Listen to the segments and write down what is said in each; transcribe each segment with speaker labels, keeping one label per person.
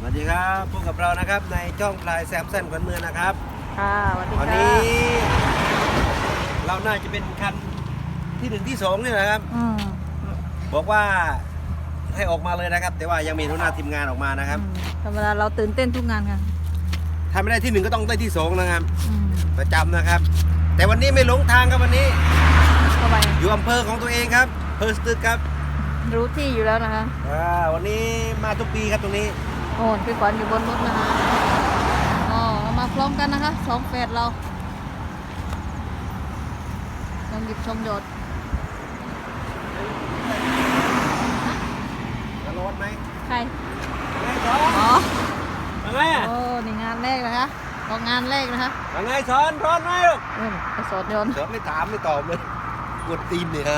Speaker 1: วัสดีครับพบกับเรานะครับในช่องพลายแซมสันขวัญเมืองนะครับ
Speaker 2: ค่ะสวัสดีค่ะ
Speaker 1: วันนี้เราน่าจะเป็นคันที่1ที่2นี่นะครับบอกว่าให้ออกมาเลยนะครับ แต่ว่ายังมีหัวหน้าทีมงานออกมานะครับ
Speaker 2: ธรรมดาเราตื่นเต้นทุกงานค่ะ
Speaker 1: ถ้าไม่ได้ที่1ก็ต้องได้ที่2นะครับประจำนะครับ แต่วันนี้ไม่หลงทางครับวันนี้อยู่อำเภอของตัวเองครับอำเภอสตึกครับ
Speaker 2: รู้ที่อยู่แล้วนะคะ
Speaker 1: วันนี้มาทุกปีครับตรงนี้
Speaker 2: โอ้พี่ขวัญอยู่บนรถนะคะเรามาพร้อมกันนะคะ2แฝดเราลองหยิบชมโดด
Speaker 1: จะรอดไหม
Speaker 2: ใคร
Speaker 1: ไงสอน
Speaker 2: อ๋อ
Speaker 1: อะไรอ่ะ
Speaker 2: โอ้นี่งานแรกนะคะก็งานแรกนะคะ
Speaker 1: ไงสอนร้อนไหมลูก
Speaker 2: ไอสอนโยน
Speaker 1: สอนไม่ถามไม่ตอบเลยกดตีนเนี่ย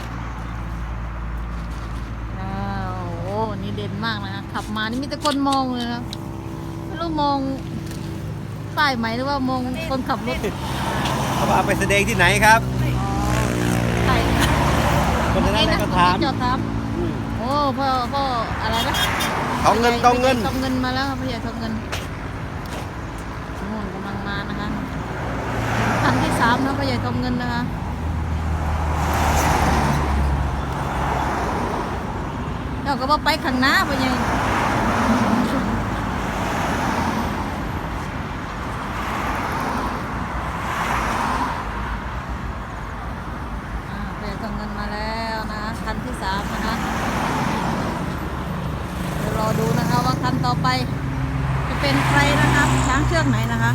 Speaker 2: โอ้นี่เด่นมากนะคะขับมานี่มีแต่คนมองเลยนะไม่รู้มองป้ายไหมหรือว่ามองคนขับรถ
Speaker 1: เขาเอาไปแสดงที่ไหนครับ
Speaker 2: ใช่
Speaker 1: คนนั้นก็ถาม
Speaker 2: จอดถามโอ้พ่ออะไรนะ
Speaker 1: ทองเงิน
Speaker 2: ทองเงินมาแล้วครับพ่อใหญ่ทองเงินกำลังมานะคะคันที่3นะพ่อใหญ่ทองเงินนะคะเราก็ว่าไปข้างหน้าพ่อใหญ่พ่อใหญ่ทองเงินมาแล้วนะคะคันที่3นะคะเดี๋ยวรอดูนะคะว่าคันต่อไปจะเป็นใครนะคะช้างเชือกไหนนะคะ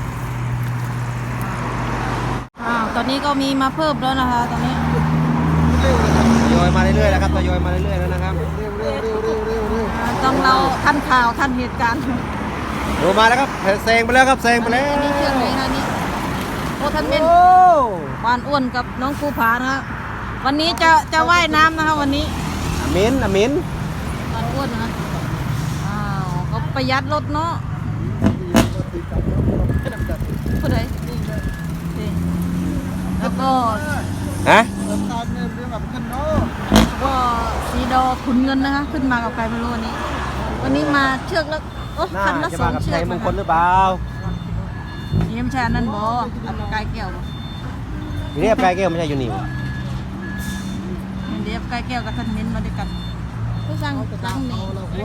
Speaker 2: ตอนนี้ก็มีมาเพิ่มแล้วนะคะตอนนี้
Speaker 1: ทยอยมาเรื่อยๆแล้วครับทยอยมาเรื่อยๆแล้วนะครับ
Speaker 2: ต้องเราทันข่าวทันเหตุการณ์
Speaker 1: ดูมาแล้วครับแซงไปแล้วครับแซงไปแล้ว
Speaker 2: นี่เชือกไหนคะนี่โอ้ท่านเป็นวานอ้วนกับน้องภูผานะคะวันนี้จะว่ายน้ำนะคะวันนี้
Speaker 1: อมิน
Speaker 2: วานอ้วนนะเขาประหยัดรถเนาะผู้ใดแล้วก็ก็สีดอขุนเงินนะคะขึ้นมากับใครไม่รู้วันนี้มาเชือกแล้วคันละ2 เชือก
Speaker 1: มงคลหรือเปล่า
Speaker 2: นี่ไม่ใช่นั่นบ่อันกายแก้ว
Speaker 1: เรียบกายแก้วไม่ใช่อยู่นี่
Speaker 2: เรียบกายแก้วกับท่านเม้นมาด้วยกันผู้สั่งตั้งนี่สวัสดี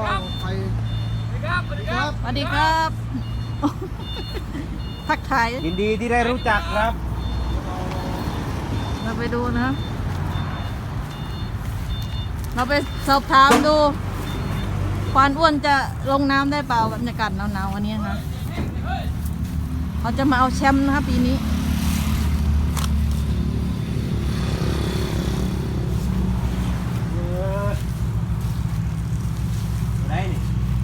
Speaker 2: ครับทักทาย
Speaker 1: ยินดีที่ได้รู้จักครับ
Speaker 2: เราไปดูนะเราไปสอบถามดูควานอ้วนจะลงน้ำได้เปล่าบรรยากาศหนาวๆวันนี้นะเขาจะมาเอาแชมป์นะครับปีนี้
Speaker 1: ได้นี่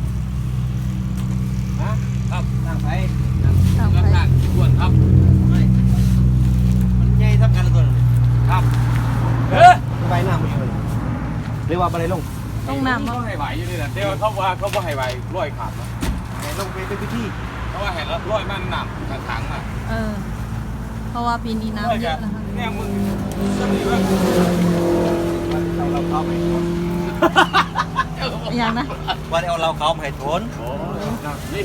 Speaker 1: ครับนั่งไปอ้วนครับมันใหญ่ทับกันตัวนึงครับไปน้ำมันเลยเรียกว่าอะไรลง
Speaker 2: น้ำ
Speaker 3: เขาให้ไหวอยู่นี่แหละเดี๋ยวเขาว่าเขาให้ไหวร้อยขาด
Speaker 1: แล้วลงไปเป็นพิธี
Speaker 3: เพราะว่าเห็นแล้วร้อยมันหนักถังอ่ะ
Speaker 2: เพราะว่าปีนี้น้ำเยอะนะคะ
Speaker 3: เนี่ยมึงจะมีว่า
Speaker 1: เราเข้าไป
Speaker 2: อย่างนะ
Speaker 1: ว่าเอาเราเข้ามาให้ทน
Speaker 3: นี่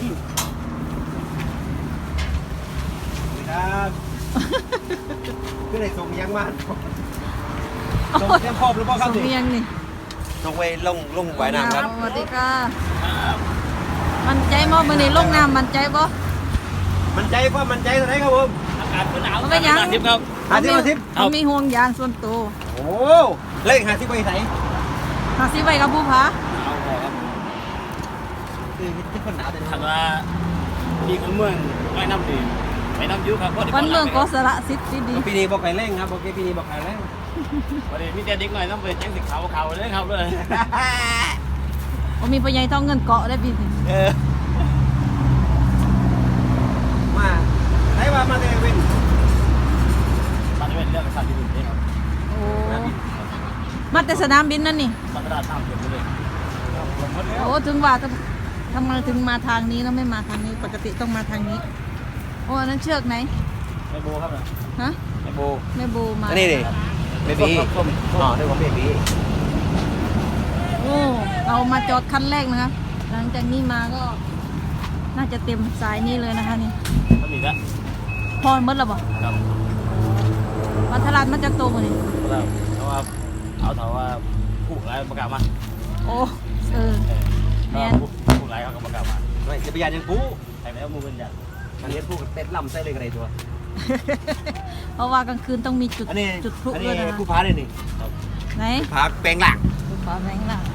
Speaker 1: ครับคือในส่งยังมากส่งเตรียมพร้อมหรือเปล่าครับ
Speaker 2: ส่งยังนี่
Speaker 1: ส่งไปลงไหวน้ำครับ
Speaker 2: สวัสดีค่ะมันใจมั้มือนี่ลงน้ำมันใจป่ะ
Speaker 1: มันใจป่ะมันใจตรงไหนครับผม
Speaker 3: อากาศหนาว
Speaker 2: ไม่ยัง
Speaker 3: 50ครับ
Speaker 1: 50
Speaker 2: เขามีห่วงยางส่วนตัว
Speaker 1: โอ้เลข50ไปไหน
Speaker 2: 50ไปกับผู้ผา
Speaker 1: คือที่คนหนาวแต่
Speaker 3: ถามว่ามีคนเมืองไม่น้ำดีไม่น้ำยุครับ
Speaker 2: คนเมืองก็สละสิทธิ์ดี
Speaker 1: ปีนี้บอกไก่เร่งครับบอกปีนี้บอกไก่เร่ง
Speaker 3: วันนี้มีแต่เด็กหน่อยต้องไปแจ้งสิเขาเลยครับเลย
Speaker 2: มีปัญญาต้องเงินเกาะได้ปีนี้
Speaker 1: มาไหนว่ามาเดวิน
Speaker 3: เรื่องสนามบินครับ
Speaker 2: โอ้มาแต่สนามบินนั่นนี่
Speaker 3: มาตลาดน้ำเยอะเลย
Speaker 2: โอ้ถึงว่าทำไมถึงมาทางนี้แล้วไม่มาทางนี้ปกติต้องมาทางนี้โอ้อันนั้นเชือกไหน
Speaker 3: แม่โบครับ
Speaker 2: ฮะ
Speaker 3: แม่
Speaker 2: โบมา
Speaker 1: นี่ดิเบบี้อ๋อนี่ของเบบี้
Speaker 2: โอ้เรามาจอดคันแรกนะคะลังจากนี้มาก็น่าจะเต็มสายนี้เลยนะคะนี่
Speaker 3: ก็มีละ
Speaker 2: พอหมดแล้วบ่
Speaker 3: ครับ
Speaker 2: วันทลาดมันจะโตกว่านี้
Speaker 3: แล้วเพราะว่าเอาเถาว่าผู้ร้ายประกาศมา
Speaker 2: โอ้เออ แม่น
Speaker 3: ผู้ร้ายเขาก็ประกาศมา
Speaker 1: ไม่จะไปยานยังปู
Speaker 3: ใครแล้วมูเป็นยัน
Speaker 1: อันนี้ปูเต็ดลำใส่เลยกันไรตัว
Speaker 2: เพราะว่ากลางคืนต้องมีจุด
Speaker 1: อันนี้
Speaker 2: จุดพลุ
Speaker 1: อัน
Speaker 2: ด้วย
Speaker 1: นี้
Speaker 2: นะคะ
Speaker 1: ผู้พาเลยนี่
Speaker 2: ไหน
Speaker 1: พาแปลงหลัง
Speaker 2: ดูฟ้าแบงค์ล่ะ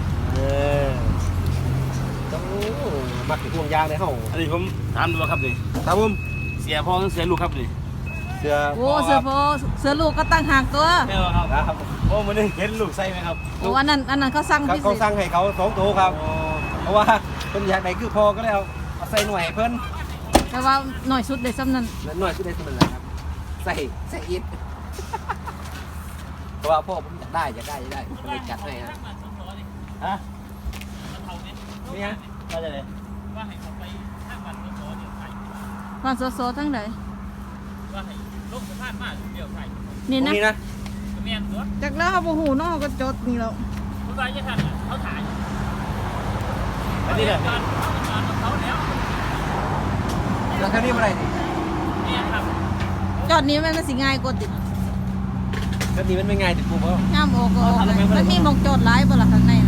Speaker 1: ต้องมักถึงห่วงยางในห้อง
Speaker 3: อันนี้ผมถามดูครับนี่
Speaker 1: ครับผม
Speaker 3: เสียพ่อเสียลูกครับนี่
Speaker 1: เสือ
Speaker 2: โอ้เสือโฟเสือลูกก็ตั้งหากตัว
Speaker 3: เท่าครับ
Speaker 1: นะครับ
Speaker 3: โอ้มันได้เห็นลูกใส่ไหมครับ
Speaker 2: โอ้อันนั้นเขาสั่งพิเศ
Speaker 1: เขา
Speaker 2: ษ
Speaker 1: สั่งให้เขา2ตัวครับ เพราะว่าเพิ่นอยากได้คือพอก็เลยเอาใส่หน่วยให้เพิ่น
Speaker 2: แต่ว่าหน่อยสุดเลยซ้ำนั้น
Speaker 1: นั่นหน่วยคือได้สมันเลยครับใส่อิฐเพราะว่าพ่อผมอยากได้ก็เลยจัดให้ฮะ
Speaker 3: ฮะ
Speaker 1: นี่ฮะ
Speaker 3: ว่าจะเลย
Speaker 2: ความโซทั้งไหน
Speaker 3: ว่าให้ลูกสภาพมากเดี่ยวใส่
Speaker 2: นี่
Speaker 1: ตรง
Speaker 2: นะ
Speaker 1: นี้นะ
Speaker 3: เมียนตัว
Speaker 2: จากแล้วเขาโมโหน้องก็จดนี่แล้ว
Speaker 3: ผู้ร้ายจะทันเขาถ่ายอันนี้เนี่ยเขาแล้ว
Speaker 1: แล้วแค่นี้เมื่อไหร่ดิ
Speaker 3: เนี่ยครับ
Speaker 2: จอดนี้มันสิง่ายกว่าติด
Speaker 1: แค่นี้มันไม่ง่ายติดปูเพราะ
Speaker 2: ย่ามโอก็ออกเลยมันมีหมองจอดหลายบ่ล่ะข้างในอะ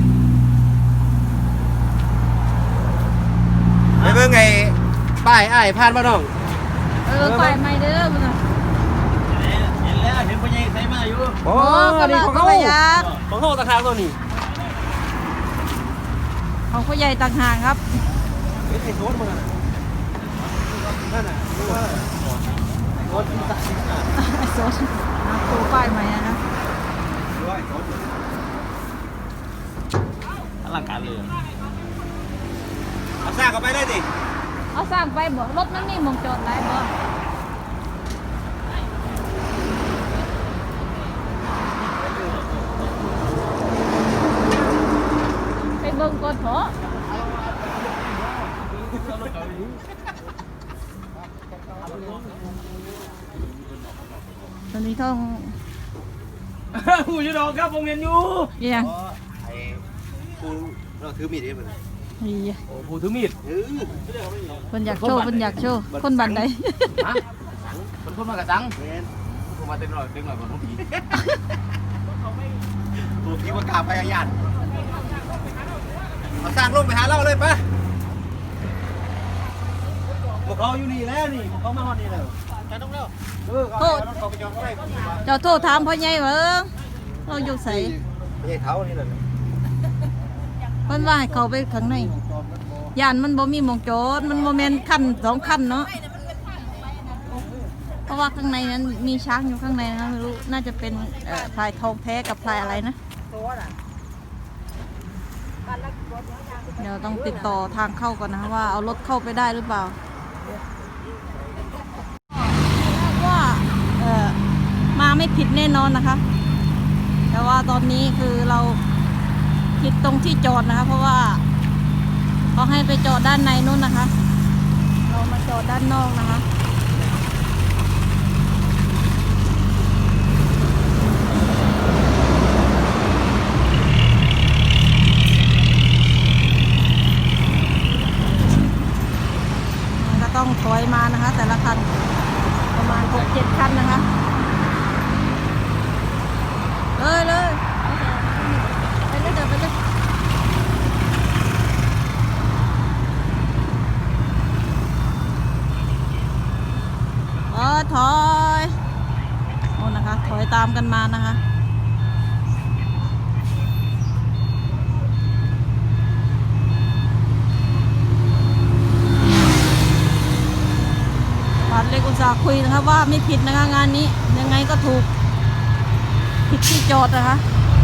Speaker 1: ไม่เบิ่งไงป้ายอ้ายผ่านมาน้อง
Speaker 2: ไปไม่เด้อมึงอะ
Speaker 3: เห็นแล้วเห็นพ่อใหญ่ใส่มาอยู่
Speaker 1: โอ้
Speaker 2: ก็
Speaker 1: นี่
Speaker 2: เรา
Speaker 1: ของ
Speaker 2: ก็
Speaker 1: เขา
Speaker 2: ระยะ
Speaker 1: ของเขาตะคางตัวนี้
Speaker 2: ของผู้ใหญ่ต่างหากครับ
Speaker 1: เป็นไอ้โซนมันนั่นน่ะดูว่าไอ้โซนที่ตัดสินค้า
Speaker 2: ไอ้โซนตัวป้ายใหม่นะ
Speaker 1: ดูว่าไอ้โซน
Speaker 3: อลังการเลย
Speaker 1: เอาซากเข้าไปได้ดิ
Speaker 2: เอาสร้างไปบ่รถมันมีหมองจอดหลายบ่ไปเบิ่งก่อนเถอะตอนนี้ต้อง
Speaker 3: ผู้ยุดอกครับผมเห็นอยู่
Speaker 2: เอี่ยง
Speaker 1: ไอ้กูเราถือมีดเองมัน
Speaker 2: นี่
Speaker 3: โอ้ผู้ถือมีด
Speaker 2: คนอยากโชว์คนอยากโชว์คนบันได
Speaker 3: ฮะมันคนมากระสังผมมาเต็มหน่อยก่อนผมผี
Speaker 1: กูคิดว่ากาพยายามเอาสร้างลงไปหาเราเลยปะพวกเขาอยู่นี่แล้วนี่พวกเขามาฮอดนี่แล้วจะต้องเร็วเขาไปจอดเขาได้
Speaker 2: เจ้าโทษถามพ่อใหญ่ว่าเราอยู่ใส่
Speaker 1: ไม่ใช่เท้านี่แหละ
Speaker 2: เพิ่นว่าให้เขาไปข้างในย่านมันบ่มีหมองจอดมันบ่แม่นคัน2คันเนาะเพราะว่าข้างในนั้นมีช้างอยู่ข้างในนะไม่รู้น่าจะเป็นพลายทองแท้กับพลายอะไรนะเดี๋ยวต้องติดต่อทางเข้าก่อนนะว่าเอารถเข้าไปได้หรือเปล่าว่ามาไม่ผิดแน่นอนนะคะ แต่ว่าตอนนี้คือเราผิดตรงที่จอดนะคะ เพราะว่าเขาให้ไปจอดด้านในนู้นนะคะ เรามาจอดด้านนอกนะคะก็ต้องถอยมานะคะ แต่ละคันประมาณ 6-7 คันนะคะเลยไปเลยเดี๋ยวไปเลยถอยโอ้นะคะถอยตามกันมานะคะบาทเล็กอุตส่าห์คุยนะคะว่าไม่ผิดนะคะงานนี้ยังไงก็ถูกผิดที่จอดนะคะ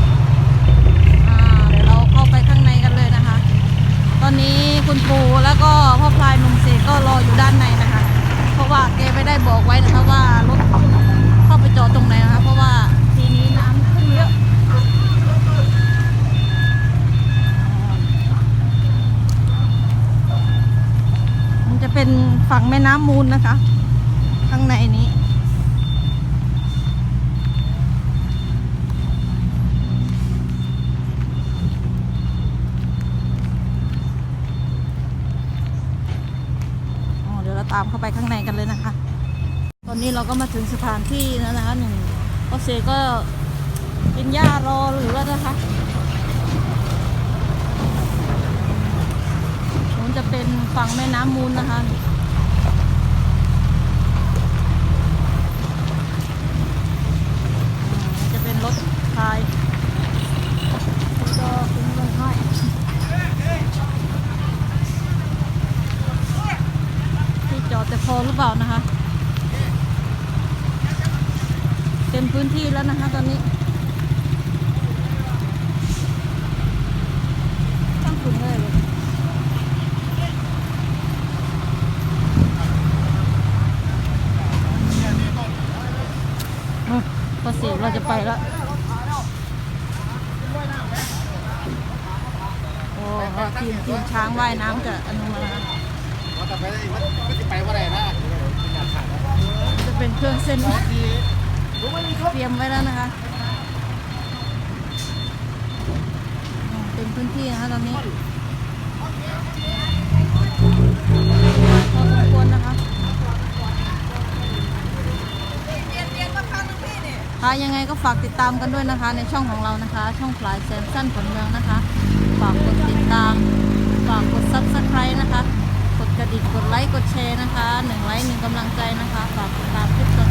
Speaker 2: เดี๋ยวเราเข้าไปข้างในกันเลยนะคะตอนนี้คุณปู่แล้วก็พ่อพลายหนุ่มเสกก็รออยู่ด้านในนะคะเพราะว่าแกไม่ได้บอกไว้นะคะว่ารถเข้าไปจอดตรงไหนนะคะเพราะว่าทีนี้น้ำขึ้นเยอะมันจะเป็นฝั่งแม่น้ำมูลนะคะข้างในนี้ตามเข้าไปข้างในกันเลยนะคะ ตอนนี้เราก็มาถึงสถานที่แล้วนะคะหนึ่งพ่อเสกก็กินหญ้ารอหรือว่านะคะมันจะเป็นฝั่งแม่น้ำมูลนะคะจะเป็นรถพายก็คุ้มลงให้ที่จอดแต่พอหรือเปล่านะคะเต็มพื้นที่แล้วนะคะตอนนี้ตั้งถุงเลยพอเสร็จเราจะไปแล้วโอ้ทีมช้างว่ายน้ำกับอนุมาแล้วจะเป็นเครื่องเส้นเตรียมไว้แล้วนะคะเป็นพื้นที่นะคะตอนนี้พอสมควรนะคะค่ะยังไงก็ฝากติดตามกันด้วยนะคะในช่องของเรานะคะช่องพลายแซมสั้นผลเมืองนะคะฝากกดติดตามฝากกด Subscribe นะคะกดกระดิ่งกดไลค์กดแชร์นะคะ1 ไลค์ 1 กำลังใจนะคะฝากติดตามคลิปต่อ